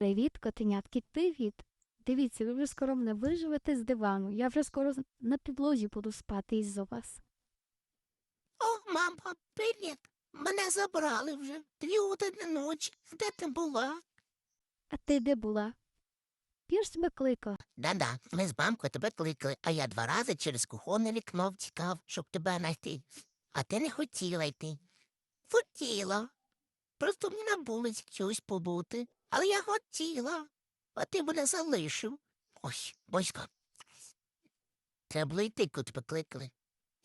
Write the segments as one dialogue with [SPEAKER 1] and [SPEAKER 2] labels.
[SPEAKER 1] Привіт, котенятки, привіт. Дивіться, ви вже скоро мене виживете з дивану. Я вже скоро на підлозі буду спати із-за вас.
[SPEAKER 2] О, мамо, привіт. Мене забрали вже 2 години ночі. Де ти була?
[SPEAKER 1] А ти де була? Я ж тебе кликав.
[SPEAKER 2] Да-да, ми з мамкою тебе кликали, а я 2 рази через кухонне вікно втікав, щоб тебе знайти. А ти не хотіла йти. Хотіла. Просто мені на вулиці чогось побути. Але я хотіла. А ти мене залишив. Ось, Боська. Треба було йти, коли тебе кликали.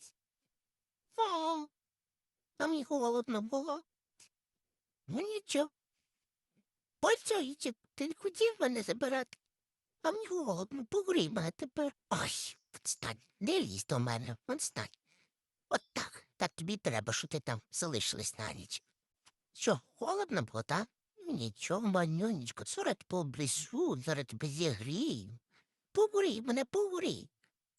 [SPEAKER 2] О, а мені холодно було. Ну нічого. Польцюйчик, ти не хотів мене забирати? А мені голодно, погрій мене тепер. Ой, встань, не лізь до мене, встань. От так, так тобі треба, що ти там залишилась на ніч. Що, холодно було, так? Нічого, манюнечко, зараз поблизу, зараз тебе зігрію. Погрій мене, погрій.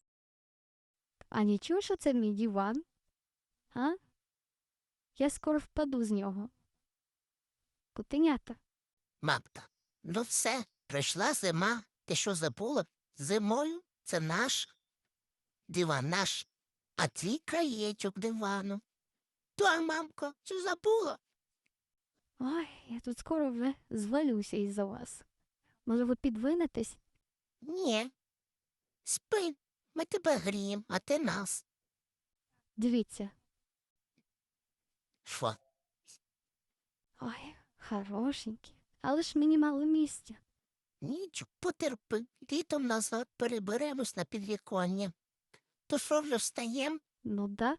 [SPEAKER 1] А нічого, що це мій диван? А? Я скоро впаду з нього. Котенята.
[SPEAKER 2] Мамка, ну все, прийшла зима. Ти що забула? Зимою це наш диван наш, а твій краєчок дивану. Та, мамка, що забула?
[SPEAKER 1] Ой, я тут скоро вже звалюся із-за вас. Може, ви підвинетесь?
[SPEAKER 2] Ні. Спи, ми тебе гріємо, а ти нас.
[SPEAKER 1] Дивіться.
[SPEAKER 2] Що?
[SPEAKER 1] Ой, хорошенькі. Але ж мені мало місця.
[SPEAKER 2] Нічого, потерпи. Літом назад переберемось на підвіконня. То що вже встаєм?
[SPEAKER 1] Ну да.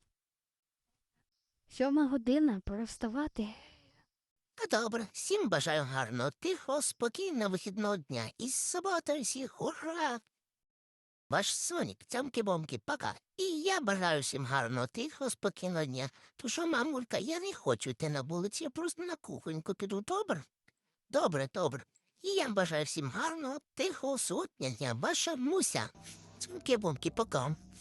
[SPEAKER 1] 7 година, пора вставати.
[SPEAKER 2] А добре, всім бажаю гарного, тихого, спокійного вихідного дня. І з суботою всіх, ура! Ваш Сонік, цямки-бомки, пока. І я бажаю всім гарного, тихого, спокійного дня. То що, мамулька, я не хочу йти на вулицю, я просто на кухоньку піду, добре? Добре, добре. І я бажаю всім гарного, тихого, сотня дня. Ваша Муся. Цямки-бомки, пока.